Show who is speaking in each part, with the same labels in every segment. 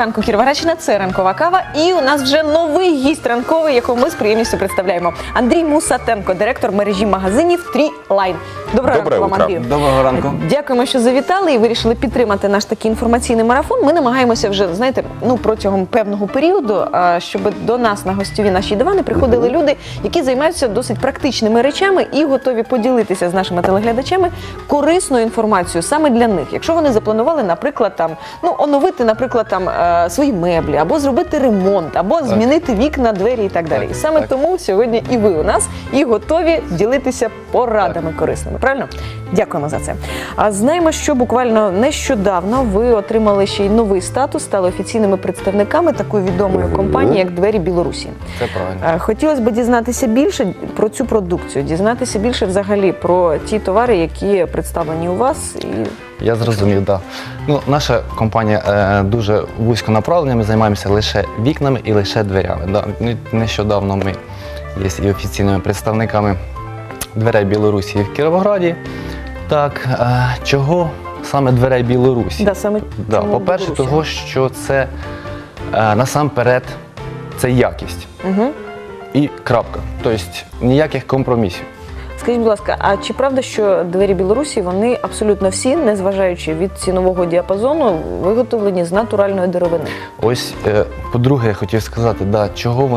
Speaker 1: ранку, Кіровоградщина, це ранкова кава. І у нас вже новий гість ранковий, якого ми з приємністю представляємо. Андрій Мусатенко, директор мережі магазинів Трілайн. Доброго ранку вам, Андрію.
Speaker 2: Доброго ранку.
Speaker 1: Дякуємо, що завітали і вирішили підтримати наш такий інформаційний марафон. Ми намагаємося вже, знаєте, протягом певного періоду, щоб до нас на гостьові наші дивани приходили люди, які займаються досить практичними речами і готові поділитися з нашими телеглядачами корисною інформацією саме для них. Якщо вони запланували, наприклад, оновити, наприклад, свої меблі, або зробити ремонт, або змінити вікна, двері і так далі. І саме тому сьогодні і ви у нас, і готові ділитися порадами корисними. Правильно? Дякуємо за це. А знаємо, що буквально нещодавно ви отримали ще й новий статус, стали офіційними представниками такої відомої компанії, як «Двері Білорусі».
Speaker 2: Це правильно.
Speaker 1: Хотілося б дізнатися більше про цю продукцію, дізнатися більше взагалі про ті товари, які представлені у вас.
Speaker 2: Я зрозумів, так. Наша компанія дуже вузько направлена, ми займаємося лише вікнами і лише дверями. Нещодавно ми є і офіційними представниками «Дверей Білорусі» в Кіровограді. Так, чого саме «Дверей Білорусі»? По-перше, того, що це насамперед це якість. І крапка. Тобто ніяких компромісів.
Speaker 1: Скажіть, будь ласка, а чи правда, що «Двері Білорусі», вони абсолютно всі, незважаючи від цінового діапазону, виготовлені з натуральної деревини?
Speaker 2: Ось, по-друге, я хотів сказати, чого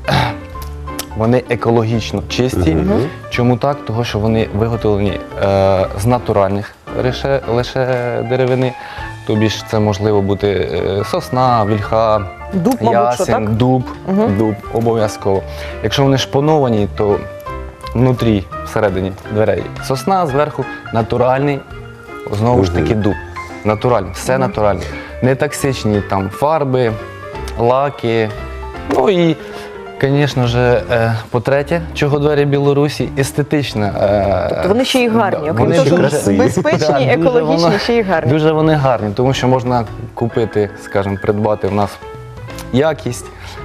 Speaker 2: вони екологічно чисті. Чому так? Тому що вони виготовлені з натуральних лише деревини. Тобі ж це можливо бути сосна, вільха,
Speaker 1: дуб, мабуть,
Speaker 2: ясень, дуб обов'язково. Якщо вони шпоновані, то внутрі, всередині дверей сосна, зверху натуральний, знову ж таки, дуб. Натуральний, все натуральне. Не токсичні там фарби, лаки. Ну і, звісно ж, по-третє, чого «Двері Білорусі» естетична.
Speaker 1: Тобто вони ще й гарні, окрім
Speaker 2: вони
Speaker 1: того, що безпечні, екологічні, ще й гарні.
Speaker 2: Дуже вони гарні, тому що можна купити, скажімо, придбати в нас якість,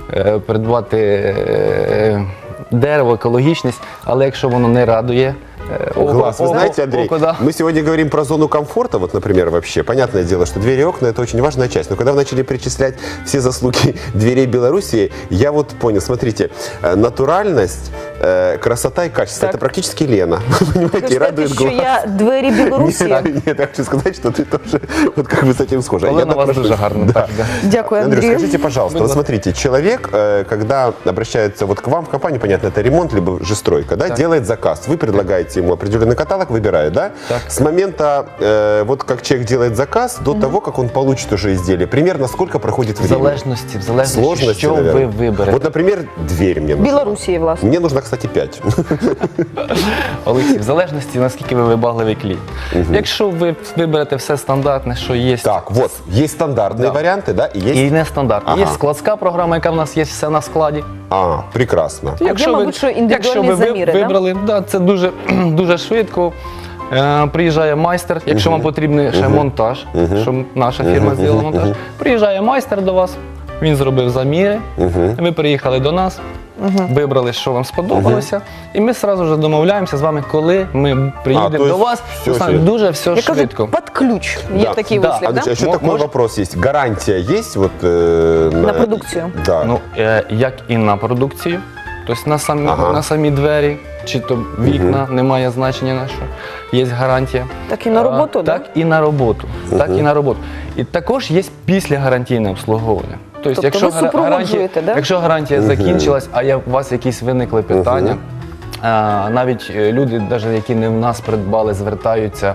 Speaker 2: придбати дерево, екологічність, але якщо воно не радує
Speaker 3: глаз. Вы знаете, Андрей, мы сегодня говорим про зону комфорта, вот, например, вообще. Понятное дело, что двери и окна – это очень важная часть. Но когда вы начали перечислять все заслуги «Дверей Белоруссии», я вот понял, смотрите, натуральность, красота и качество – это практически Лена. Понимаете, и радует глаз.
Speaker 1: Что я «Двери Белоруссии»?
Speaker 3: Нет, я хочу сказать, что ты тоже вот как бы с этим схожа.
Speaker 2: Олена, у вас дуже гарно.
Speaker 1: Дякую,
Speaker 3: Андрей,
Speaker 1: Андрей.
Speaker 3: скажите, пожалуйста, вот смотрите, человек, когда обращается вот к вам в компанию, понятно, это ремонт, либо же стройка, да, делает заказ, вы предлагаете ему определенный каталог, выбирает, да?
Speaker 2: Так.
Speaker 3: С момента, вот как человек делает заказ, до того, как он получит уже изделие, примерно сколько проходит время?
Speaker 2: В залежності, що ви виберете.
Speaker 3: Вот, например, дверь мне нужна.
Speaker 1: Белоруссии, власне.
Speaker 3: Мне нужно, кстати, 5.
Speaker 2: Олексій, в залежності, наскільки ви вибагливий клієнт. Якщо ви виберете все стандартне, що є...
Speaker 3: Так, вот, есть стандартные варианты, да, и есть...
Speaker 2: І нестандартне. Є складська програма, яка в нас є все на складі.
Speaker 3: Прекрасно.
Speaker 1: Якщо ви, мабуть, що індивідуальні заміри,
Speaker 2: вибрали, це дуже, дуже швидко. Приїжджає майстер, якщо вам потрібен ще монтаж, щоб наша фірма зробила монтаж. Приїжджає майстер до вас, він зробив заміри, ви приїхали до нас, вибрали, що вам сподобалося, і ми одразу ж домовляємося з вами, коли ми приїдемо до вас. Дуже все швидко.
Speaker 1: Під ключ, є такий вислів,
Speaker 3: да? Еще такой вопрос есть. Гарантия есть вот,
Speaker 1: на продукцію?
Speaker 3: Да.
Speaker 2: Ну, як і на продукцію, тобто на самі двері, чи то вікна, немає значення на що. Є гарантія.
Speaker 1: Так і на роботу,
Speaker 2: так? Так і на роботу. Так і на роботу. І також є післягарантійне обслуговування.
Speaker 1: Тобто ви супроводжуєте, так?
Speaker 2: Якщо гарантія закінчилась, а у вас якісь виникли питання, навіть люди, які не в нас придбали, звертаються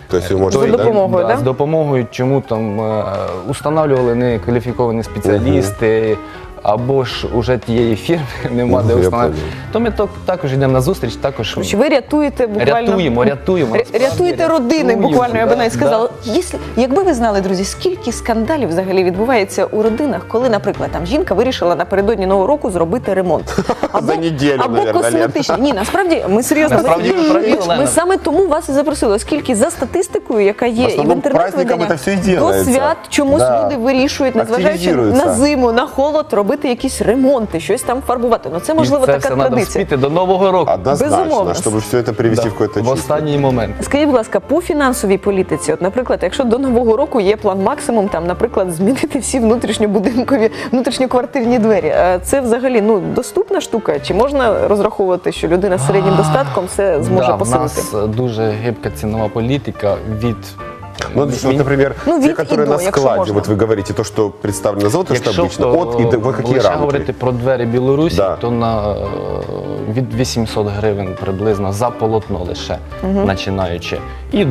Speaker 2: з допомогою, чому там установлювали некваліфіковані спеціалісти, або ж уже тієї фірми нема де встановити, то ми також йдемо на зустріч, також...
Speaker 1: Ви рятуєте буквально... Рятуєте родини, буквально, я би навіть сказала. Якби ви знали, друзі, скільки скандалів взагалі відбувається у родинах, коли, наприклад, там жінка вирішила напередодні Нового року зробити ремонт.
Speaker 3: За неділю,
Speaker 1: або косметичний. Ні, насправді, ми серйозно... Ми саме тому вас і запросили, оскільки за статистикою, яка є і в інтернет-виданнях, до свят чомусь люди вирішують, незважаючи на зиму, на холод, робити робити якісь ремонти, щось там фарбувати. Ну це можливо
Speaker 2: і це
Speaker 1: така
Speaker 2: все треба
Speaker 1: традиція.
Speaker 2: вспіти до Нового року.
Speaker 3: Однозначно,
Speaker 1: Безумовно.
Speaker 3: чтобы все это привести в какое-то
Speaker 2: В
Speaker 3: чувство.
Speaker 2: останній момент.
Speaker 1: Скажіть, будь ласка, по фінансовій політиці, от, наприклад, якщо до Нового року є план максимум, там, наприклад, змінити всі внутрішньобудинкові, внутрішньоквартирні двері, це взагалі доступна штука? Чи можна розраховувати, що людина з середнім достатком все зможе
Speaker 2: Да, в
Speaker 1: посилити?
Speaker 2: нас дуже гибка цінова політика від
Speaker 3: Ну, вот, например,
Speaker 1: Ну,
Speaker 3: те,
Speaker 1: вид и
Speaker 3: которые
Speaker 1: до,
Speaker 3: на
Speaker 1: якщо
Speaker 3: складе,
Speaker 1: можно.
Speaker 3: вот вы говорите, то, что представлено на заводе, что
Speaker 2: Якщо
Speaker 3: обычно, от и до в какие
Speaker 2: лише
Speaker 3: рамки?
Speaker 2: говорити про двері Білорусі,
Speaker 3: Да.
Speaker 2: то від 800 гривень приблизно за полотно лише, починаючи. І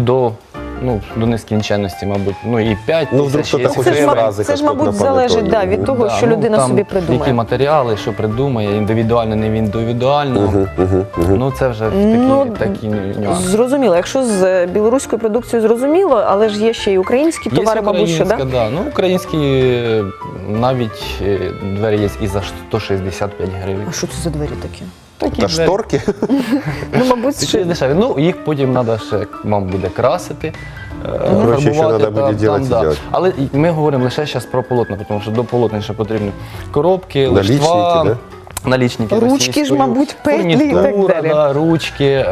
Speaker 2: до нескінченності, мабуть, і 5
Speaker 3: Ну, вдруг
Speaker 2: тисяч,
Speaker 3: кто-то
Speaker 2: є
Speaker 3: хочет
Speaker 2: гривень.
Speaker 3: фразы,
Speaker 1: це ж,
Speaker 3: как
Speaker 1: мабуть,
Speaker 3: тут на
Speaker 1: залежить
Speaker 3: панетоне.
Speaker 1: від того,
Speaker 2: Да,
Speaker 1: що людина
Speaker 2: там
Speaker 1: собі
Speaker 2: Які
Speaker 1: придумає.
Speaker 2: матеріали, що придумає, індивідуально, не індивідуально. Ну це вже такі нюанси.
Speaker 1: Зрозуміло. Якщо з білоруською продукцією зрозуміло, але ж є ще й українські товари, мабуть, що,
Speaker 2: українська,
Speaker 1: да?
Speaker 2: да. Ну, українські навіть двері є і за 165 гривень.
Speaker 1: А що це за двері такі?
Speaker 2: Такі
Speaker 3: Это
Speaker 2: двері.
Speaker 3: шторки?
Speaker 1: Ну, мабуть,
Speaker 2: Такі
Speaker 1: ще...
Speaker 2: дешеві. Ну, їх потім треба ще, вам буде красити.
Speaker 3: Коротше, ще
Speaker 2: фарбувати,
Speaker 3: треба буде делать і
Speaker 2: да.
Speaker 3: делать.
Speaker 2: Але ми говоримо лише зараз про полотна, тому що до полотна ще потрібні коробки,
Speaker 3: Налічники,
Speaker 2: лиштва,
Speaker 3: да?
Speaker 2: налічники
Speaker 1: Ручки ж,
Speaker 2: російською,
Speaker 1: мабуть, петлі і так
Speaker 2: фурнітура,
Speaker 1: далі.
Speaker 2: да, ручки,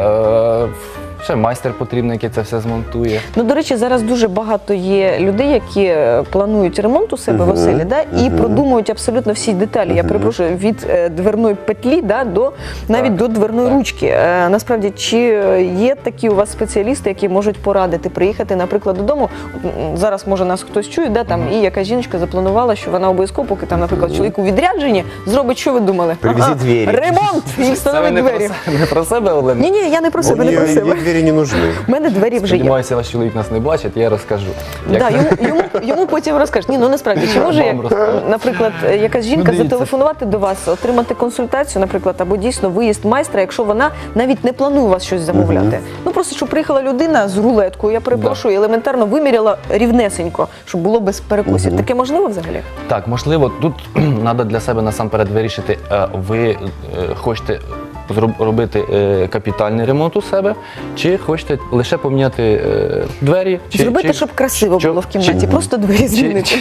Speaker 2: ще майстер потрібний, який це все змонтує.
Speaker 1: Ну, до речі, зараз дуже багато є людей, які планують ремонт у себе в оселі, да, і продумують абсолютно всі деталі. Я перепрошую, від дверної петлі, да, до навіть до дверної ручки. Насправді, чи є такі у вас спеціалісти, які можуть порадити приїхати, наприклад, додому? Зараз, може, нас хтось чує, да, там, і яка жіночка запланувала, що вона обов'язково, поки там, наприклад, чоловік у відрядженні, зробить, що ви думали?
Speaker 3: Привезіть двері.
Speaker 1: Ремонт! І
Speaker 2: Це ви
Speaker 1: встановить
Speaker 2: не
Speaker 1: двері.
Speaker 2: не про себе, Олена?
Speaker 1: Ні, я не про себе, не про
Speaker 3: Ей
Speaker 1: себе.
Speaker 3: двери не нужны.
Speaker 1: У мене двері вже є.
Speaker 2: Сподіваюся, ваш чоловік нас не бачить, я розкажу.
Speaker 1: Да, йому потім розкажеш. Ні, ну насправді, чи може,
Speaker 2: Вам розкажу.
Speaker 1: наприклад, якась жінка
Speaker 2: Ну, дивіться.
Speaker 1: зателефонувати до вас, отримати консультацію, наприклад, або дійсно виїзд майстра, якщо вона навіть не планує у вас щось замовляти. Ну просто, щоб приїхала людина з рулеткою, я перепрошую, і елементарно виміряла рівнесенько, щоб було без перекосів. Таке можливо взагалі?
Speaker 2: Так, можливо, тут треба для себе насамперед вирішити, ви хочете робити капітальний ремонт у себе, чи хочете лише поміняти двері.
Speaker 1: Зробити, щоб красиво було в кімнаті, просто двері змінити.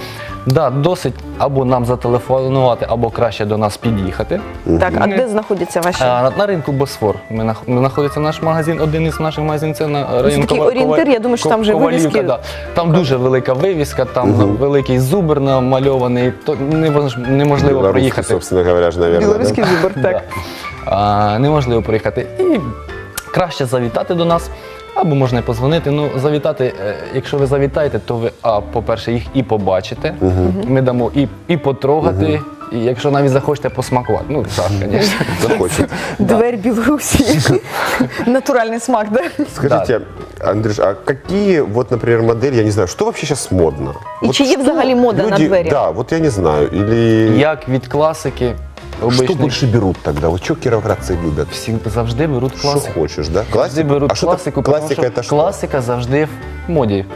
Speaker 2: Да, досить або нам зателефонувати, або краще до нас під'їхати.
Speaker 1: Так, а де знаходяться ваші?
Speaker 2: На ринку Босфор. Знаходиться наш магазин, один із наших магазинів, це на районі
Speaker 1: такий орієнтир, я думаю, що там вже
Speaker 2: Ковалівка,
Speaker 1: вивіски.
Speaker 2: да. Там дуже велика вивіска, там великий зубр намальований, то неможливо
Speaker 3: Белорусский,
Speaker 2: проїхати.
Speaker 3: собственно говоря, же, наверное,
Speaker 1: Білоруський
Speaker 3: да?
Speaker 1: зубр, так.
Speaker 2: Неможливо проїхати. І краще завітати до нас, або можна і позвонити. Ну, завітати, якщо ви завітаєте, то ви, по-перше, їх і побачите, ми дамо і потрогати, і якщо навіть захочете посмакувати. Ну, так, звісно.
Speaker 3: Захочет.
Speaker 1: Дверь Білорусі. Натуральний смак, да?
Speaker 3: Скажите, Андрюш, а какие, вот, например, модели, я не знаю, что вообще сейчас модно?
Speaker 1: І
Speaker 3: Вот
Speaker 1: чи є
Speaker 3: что
Speaker 1: взагалі мода на
Speaker 3: люди-
Speaker 1: двері?
Speaker 3: Да, вот я не знаю. Или
Speaker 2: Як від класики,
Speaker 3: что
Speaker 2: обичних,
Speaker 3: больше берут тогда? Вот что кировградцы любят?
Speaker 2: всі завжди беруть
Speaker 3: Что
Speaker 2: класику.
Speaker 3: хочешь, да?
Speaker 2: Завжди беруть
Speaker 3: А что
Speaker 2: класику,
Speaker 3: классика
Speaker 2: тому що
Speaker 3: это что?
Speaker 2: класика завжди в моді.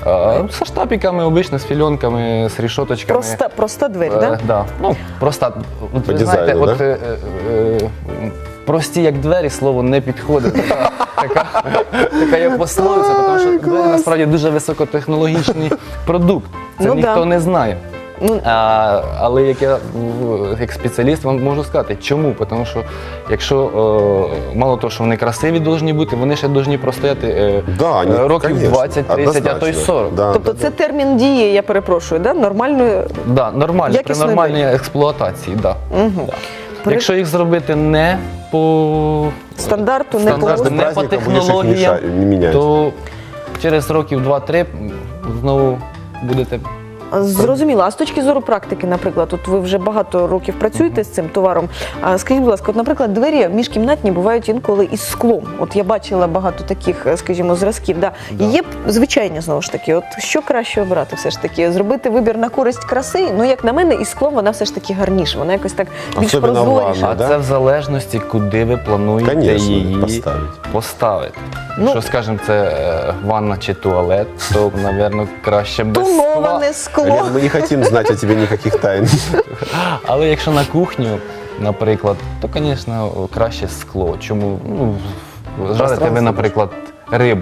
Speaker 2: Со штапиками, обично, з фільонками, з рішоточками.
Speaker 1: Проста двері, так?
Speaker 2: Да. Ну, просто, от,
Speaker 3: По
Speaker 2: ви знаєте,
Speaker 3: дизайну,
Speaker 2: от, прості як двері, слово не підходить. Така є пословиця, тому що двері насправді дуже високотехнологічний продукт. Це
Speaker 1: Ну,
Speaker 2: ніхто
Speaker 1: да.
Speaker 2: не знає.
Speaker 1: Ну,
Speaker 2: Але як спеціаліст вам можу сказати, чому? Тому що якщо мало того, що вони красиві повинні бути, вони ще повинні простояти
Speaker 3: Да, они,
Speaker 2: років
Speaker 3: конечно,
Speaker 2: 20, 30, а то й
Speaker 3: однозначно.
Speaker 2: 40.
Speaker 3: Да,
Speaker 1: тобто
Speaker 3: да,
Speaker 1: це термін дії, я перепрошую, да? Нормальної.
Speaker 2: Да, нормально, при
Speaker 1: Якісної
Speaker 2: нормальній експлуатації, да.
Speaker 1: Мгм.
Speaker 2: Да. Якщо їх зробити не по
Speaker 1: Стандарту, не
Speaker 2: стандарту,
Speaker 1: по
Speaker 3: Каждым
Speaker 2: не по
Speaker 3: праздником будешь их
Speaker 2: технологіям,
Speaker 3: не менять.
Speaker 2: то через років 2-3 знову будете.
Speaker 1: Зрозуміло. А з точки зору практики, наприклад, от ви вже багато років працюєте з цим товаром. А скажіть, будь ласка, от, наприклад, двері міжкімнатні бувають інколи із склом. От я бачила багато таких, скажімо, зразків. Да. І є звичайні, знову ж таки, от що краще обрати все ж таки? Зробити вибір на користь краси? Ну, як на мене, із склом вона все ж таки гарніша, вона якось так більш
Speaker 3: Особливо
Speaker 1: прозоріша.
Speaker 3: ванна, да?
Speaker 2: Це в залежності, куди ви плануєте
Speaker 3: Конечно,
Speaker 2: її
Speaker 3: поставить.
Speaker 2: Ну, якщо, скажімо, це ванна чи туалет, то, мабуть, краще без скла.
Speaker 1: Тоноване скло.
Speaker 3: Лен, мы не хотим знать о тебе никаких тайн.
Speaker 2: Але якщо на кухню, наприклад, то, звісно, краще скло. Чому? Ну, жарите ви,
Speaker 3: Пространство
Speaker 2: наприклад, рибу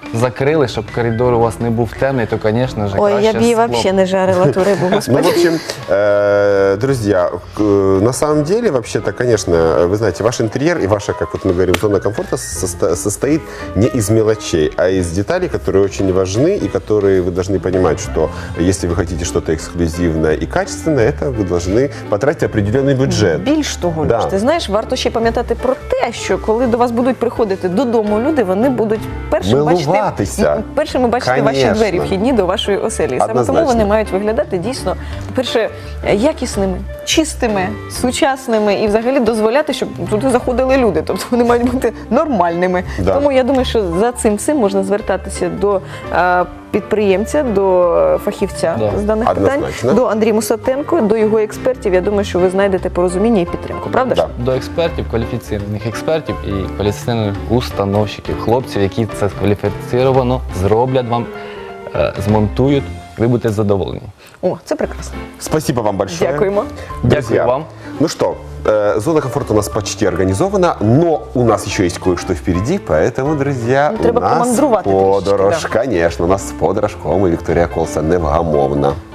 Speaker 2: закрили, щоб коридор у вас не був темний, то, звісно ж,
Speaker 1: Ой, я
Speaker 2: краще
Speaker 1: б її
Speaker 2: скло.
Speaker 1: взагалі не жарила ту рибу,
Speaker 3: Ну,
Speaker 1: господи.
Speaker 3: в общем, друзья, на самом деле, вообще-то, конечно, вы знаете, ваш интерьер и ваша, как вот мы говорим, зона комфорта состоит не из мелочей, а из деталей, которые очень важны и которые вы должны понимать, что если вы хотите что-то эксклюзивное и качественное, это вы должны потратить определенный бюджет.
Speaker 1: Більш того,
Speaker 3: Да.
Speaker 1: Люш, ти знаєш, варто ще пам'ятати про те, що коли до вас будуть приходити додому люди, вони будуть
Speaker 3: Милуватися.
Speaker 1: першими бачити ваші
Speaker 3: Конечно.
Speaker 1: двері вхідні до вашої оселі. І саме тому
Speaker 3: Однозначно.
Speaker 1: вони мають виглядати дійсно, по-перше, якісними, чистими, сучасними і взагалі дозволяти, щоб туди заходили люди. Тобто вони мають бути нормальними.
Speaker 3: Да.
Speaker 1: Тому я думаю, що за цим всім можна звертатися до підприємця, до фахівця
Speaker 2: Да.
Speaker 1: з даних питань,
Speaker 3: Однозначно.
Speaker 1: до Андрія Мусатенко, до його експертів. Я думаю, що ви знайдете порозуміння і підтримку. Правда ж?
Speaker 3: Да.
Speaker 2: До експертів, кваліфіційних експертів і кваліфіційних установщиків, хлопців, які це кваліфіковано зроблять вам, змонтують, ви будете задоволені.
Speaker 1: О, це прекрасно.
Speaker 3: Спасибо вам большое.
Speaker 1: Дякуємо.
Speaker 2: Дякую
Speaker 3: Друзья,
Speaker 2: вам.
Speaker 3: Ну что, зона комфорта у нас почти организована, но у нас еще есть кое-что впереди, поэтому, друзья,
Speaker 1: Ну, треба
Speaker 3: у нас
Speaker 1: помандрувати трішечки,
Speaker 3: подорож, конечно, у нас подорож, і Вікторія Колса невгамовна.